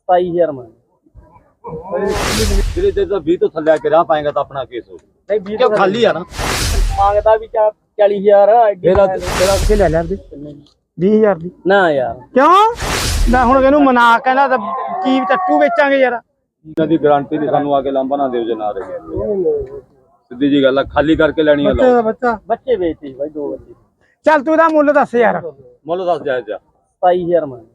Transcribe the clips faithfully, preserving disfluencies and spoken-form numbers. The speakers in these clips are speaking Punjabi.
सताई हजार में धीरे धीरे बीस तो थल्ले आके रह पाएगा तो अपना केस हो नहीं क्यों खाली है ना मांगता भी चालीस हजार तेरा तेरा के ले लिया बीस हजार दी ना यार क्यों मैं हुण ਇਹਨੂੰ ਮਨਾ ਕਹਿੰਦਾ ਤਾਂ ਕੀ ਟੱਟੂ ਵੇਚਾਂਗੇ ਯਾਰ ਇਹਨਾਂ ਦੀ ਗਾਰੰਟੀ ਦੀ ਸਾਨੂੰ ਆ ਕੇ ਲਾਂਬਾ ਨਾ ਦਿਓ ਜੇ ਨਾ ਰਹੇ ਸਿੱਧੀ ਜੀ ਗੱਲ ਆ ਖਾਲੀ ਕਰਕੇ ਲੈਣੀ ਆ ਲਓ ਬੱਚਾ बच्चे बेचते भाई दो बच्चे ਚੱਲ ਤੂੰ ਇਹਦਾ ਮੁੱਲ ਦੱਸ ਯਾਰ ਮੁੱਲ ਦੱਸ ਜਾਇਜ਼ ਜਾ सताई हजार में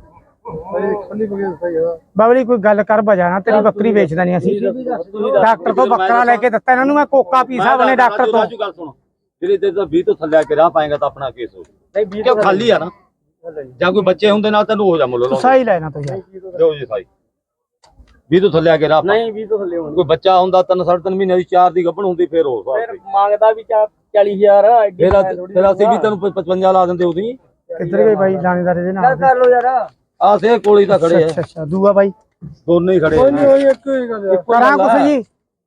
ਬਾਬਲੀ ਕੋਈ ਗੱਲ ਕਰ ਬਜਾਣਾ ਤੇਰੀ ਬੱਕਰੀ ਵੇਚਦਾ ਨਹੀਂ ਅਸੀਂ ਡਾਕਟਰ ਤੋਂ ਬੱਕਰਾ ਲੈ ਕੇ ਦਿੱਤਾ ਇਹਨਾਂ ਨੂੰ ਮੈਂ ਕੋਕਾ ਪੀ ਸਾਹਿਬ ਨੇ ਡਾਕਟਰ ਤੋਂ ਰਾਜੂ ਗੱਲ ਸੁਣ ਧੀਰੇ ਧੀਰੇ बीस ਤੋਂ ਥੱਲੇ ਆ ਕੇ ਰਹ ਪਾਏਗਾ ਤਾਂ ਆਪਣਾ ਕੇਸ ਹੋ नहीं ਕਿਉਂ ਖਾਲੀ ਆ ਨਾ ਜਾਂ ਕੋਈ ਬੱਚੇ ਹੁੰਦੇ ਨਾਲ ਤੈਨੂੰ ਹੋ ਜਾ ਮੁੱਲ ਸਹੀ ਲੈਣਾ ਤੂੰ ਯਾਰ ਦਿਓ ਜੀ ਸਾਈ बीस ਤੋਂ ਥੱਲੇ ਆ ਕੇ ਰਹ नहीं भी तो थले होने ਕੋਈ ਬੱਚਾ ਹੁੰਦਾ ਤਿੰਨ ਸਾਢੇ ਤਿੰਨ ਮਹੀਨੇ ਦੀ ਚਾਰ ਦੀ ਗੱਭਣ ਹੁੰਦੀ ਫੇਰ ਹੋ फिर मांगता भी चालीस हजार ਫੇਰ ਫੇਰ ਅਸੀਂ ਵੀ ਤੈਨੂੰ पचपन ਲਾ ਦਿੰਦੇ ਉਹਦੀ ਕਿੱਧਰ ਗਏ ਬਾਈ ਲਾਣੇਦਾਰ ਇਹਦੇ ਨਾਲ कर लो यार ਆ ਸੇ ਕੋਲੀ ਤਾਂ ਖੜੇ ਅੱਛਾ ਆ ਅੱਛਾ ਦੂਆ ਬਾਈ ਦੋਨੇ ਹੀ ਖੜੇ ਆ ਕਰਾਂ ਕੁਛ ਜੀ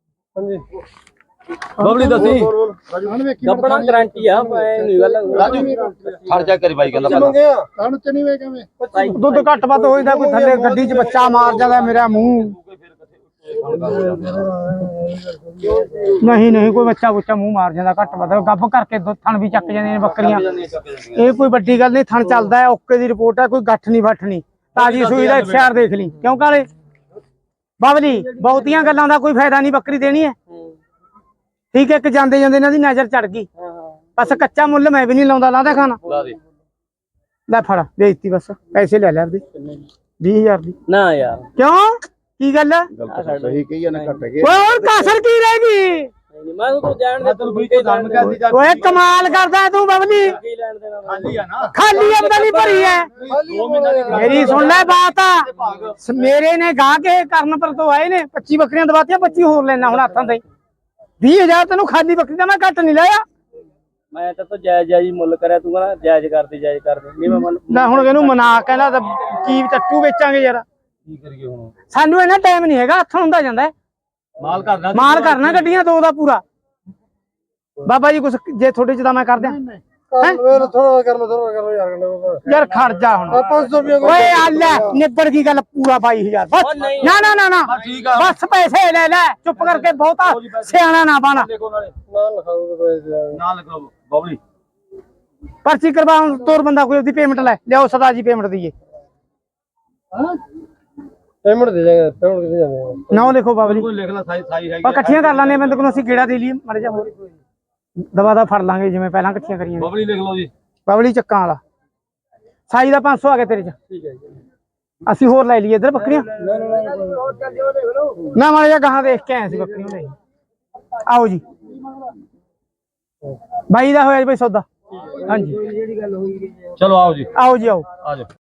ਬਬਲੀ ਦੱਸੀ कपड़ा गारंटी है नहीं गल ਰਾਜੂ ਖਰਚਾ ਕਰੀ ਬਾਈ ਕਹਿੰਦਾ ਪਹਿਲਾਂ ਦੁੱਧ ਘੱਟ ਵੱਧ ਹੋ ਜਾਂਦਾ ਕੋਈ ਥੱਲੇ ਗੱਡੀ 'ਚ ਬੱਚਾ ਮਾਰ ਜਾਂਦਾ ਮੇਰਾ ਮੂੰਹ ਨਹੀਂ ਨਹੀਂ ਕੋਈ ਬੱਚਾ ਬੁੱਚਾ ਮੂੰਹ ਮਾਰ ਜਾਂਦਾ ਘੱਟ ਵੱਧ ਗੱਭ ਕਰਕੇ ਦੁੱਧ ਥਣ ਵੀ ਚੱਕ ਜਾਂਦੀਆਂ ਨੇ ਬੱਕਰੀਆਂ ਇਹ ਕੋਈ ਵੱਡੀ ਗੱਲ ਨਹੀਂ ਥਣ ਚੱਲਦਾ ਹੈ ਓਕੇ ਦੀ ਰਿਪੋਰਟ ਹੈ ਕੋਈ ਗੱਠ ਨਹੀਂ ਵੱਠ ਨਹੀਂ ਤਾਜੀ ਸੂਈ ਦਾ ਇਸ਼ਾਰ ਦੇਖ ਲਈ ਕਿਉਂ ਕਾਲੇ ਬਾਬਲੀ ਬਹੁਤੀਆਂ ਗੱਲਾਂ ਦਾ ਕੋਈ ਫਾਇਦਾ ਨਹੀਂ ਬੱਕਰੀ ਦੇਣੀ ਹੈ ਠੀਕ ਹੈ ਇੱਕ ਜਾਂਦੇ ਜਾਂਦੇ ਇਹਨਾਂ ਦੀ ਨਜ਼ਰ ਚੜ ਗਈ ਬਸ ਕੱਚਾ ਮੁੱਲ ਮੈਂ ਵੀ ਨਹੀਂ ਲਾਉਂਦਾ ਲਾਦਾ ਖਾਣਾ ਲਾ ਦੇ ਲੈ ਫੜ ਵੇਚਤੀ ਬਸ ਪੈਸੇ ਲੈ ਲੈ ਆਪਦੇ ਵੀਹ ਹਜ਼ਾਰ ਦੀ ना यार ਕਿਉਂ ਕੀ ਗੱਲ ਸਹੀ ਕਹੀ ਨਾ ਘਟ ਗਏ ਓਏ ਹੋਰ ਕਾਸਰ ਕੀ ਰਹਿ ਗਈ मैं तो जान दे ਤੈਨੂੰ ਵੀ ਕੋਈ ਦਮ ਕਰਦੀ ਜਾ ਓਏ ਕਮਾਲ ਕਰਦਾ ਤੂੰ ਬਬਲੀ लैंड देना ਖਾਲੀ ਆ ਨਾ ਖਾਲੀ ਅੰਦਲੀ ਭਰੀ ਐ ਦੋ ਮਹੀਨਾ ਦੀ ਮੇਰੀ ਸੁਣ ਲੈ ਬਾਤ ਆ ਮੇਰੇ ਨੇ ਗਾ ਕੇ ਕਰਨ ਪਰ ਤੋਂ ਆਏ ਨੇ ਪੱਚੀ ਬੱਕਰੀਆਂ ਦਵਾਤੀਆਂ ਪੱਚੀ ਹੋਰ ਲੈਣਾ ਹੁਣ ਹੱਥਾਂ ਤੇ ਵੀਹ ਹਜ਼ਾਰ ਤੈਨੂੰ ਖਾਲੀ ਬੱਕਰੀ ਦਾ ਮੈਂ ਘੱਟ ਨਹੀਂ ਲਿਆ मैं तो तो जायज जायज मुੱਲ ਕਰਿਆ ਤੂੰ ਕਹਿੰਦਾ ਜਾਇਜ਼ ਕਰਦੀ ਜਾਇਜ਼ ਕਰਦੇ ਨਹੀਂ ਮੈਂ ਮੁੱਲ ਲੈ ਹੁਣ ਇਹਨੂੰ ਮਨਾ ਕਹਿੰਦਾ ਤਾਂ ਕੀ ਟੱਟੂ ਵੇਚਾਂਗੇ ਯਾਰ ਕੀ ਕਰੀਏ ਹੁਣ ਸਾਨੂੰ ਇਹਨਾਂ ਟਾਈਮ ਨਹੀਂ ਹੈਗਾ ਹੱਥ ਹੁੰਦਾ ਜਾਂਦਾ ਮਾਲ ਕਰਨਾ ਮਾਲ ਕਰਨਾ ਗੱਡੀਆਂ ਦੋ ਦਾ ਪੂਰਾ ਬਾਬਾ ਜੀ ਕੁਛ ਜੇ ਤੁਹਾਡੇ ਚ ਤਾਂ ਮੈਂ ਕਰ ਦਿਆਂ ਥੋੜਾ ਕਰ ਲੋ ਥੋੜਾ ਕਰ ਲੋ ਯਾਰ ਯਾਰ ਖੜ ਜਾ ਹੁਣ ਪੰਜ ਸੌ ਰੁਪਏ ਓਏ ਆ ਲੈ ਨਿੱਬੜ ਕੀ ਗੱਲ ਪੂਰਾ ਬਾਈ ਹਜ਼ਾਰ ਬਸ ਨਾ ਨਾ ਨਾ ਨਾ ਠੀਕ ਆ ਬਸ ਪੈਸੇ ਲੈ ਲੈ ਚੁੱਪ ਕਰਕੇ ਬਹੁਤਾ ਸਿਆਣਾ ਨਾ ਬਣ ਦੇਖੋ ਨਾਲੇ ਨਾ ਲਿਖਾਓ ਪੈਸੇ ਨਾਲ ਲਿਖੋ ਬਬਲੀ ਪਰਚੀ ਕਰਵਾਉਣ ਤੋਰ ਬੰਦਾ ਕੋਈ ਉਹਦੀ ਪੇਮੈਂਟ ਲੈ ਲਿਆਓ ਸਦਾ ਜੀ ਪੇਮੈਂਟ ਦਈਏ ਪੇਮੈਂਟ ਦੇ ਜਾਗੇ ਪੇਮੈਂਟ ਕਿੱਥੇ ਜਾਂਦੇ ਨਾ ਲਿਖੋ ਬਾਬਲੀ ਕੋਈ ਲਿਖ ਲੈ ਸਾਈ ਸਾਈ ਹੈਗੀ ਆਪਾਂ ਇਕੱਠੀਆਂ ਕਰ ਲਾਂਗੇ ਬੰਦੇ ਕੋਲ ਅਸੀਂ ਗੇੜਾ ਦੇ ਲਈਏ ਮੜ ਜਾ ਹੋਰ ਦਵਾ ਦਾ ਫੜ ਲਾਂਗੇ ਜਿਵੇਂ ਪਹਿਲਾਂ ਇਕੱਠੀਆਂ ਕਰੀਆਂ ਨੇ। ਬਬਲੀ ਲਿਖ ਲਓ ਜੀ ਬਾਬਲੀ ਚੱਕਾਂ ਵਾਲਾ ਸਾਈ ਦਾ ਪੰਜ ਸੌ ਆ ਗਿਆ ਤੇਰੇ ਚ ਠੀਕ ਹੈ ਜੀ ਅਸੀਂ ਹੋਰ ਲੈ ਲਈਏ ਇੱਧਰ ਬੱਕਰੀਆਂ ਨਾ ਮਾੜਾ ਜਿਹਾ ਗਾਹਾਂ ਦੇਖ ਕੇ ਆਏ ਸੀ ਬੱਕਰੀਆਂ ਲੈ ਆਓ ਜੀ ਬਾਈ ਦਾ ਹੋਇਆ ਜੀ ਬਈ ਸੌਦਾ ਹਾਂਜੀ ਚਲੋ ਆਓ ਜੀ ਆਓ ਜੀ ਆਓ ਆ ਜਾਓ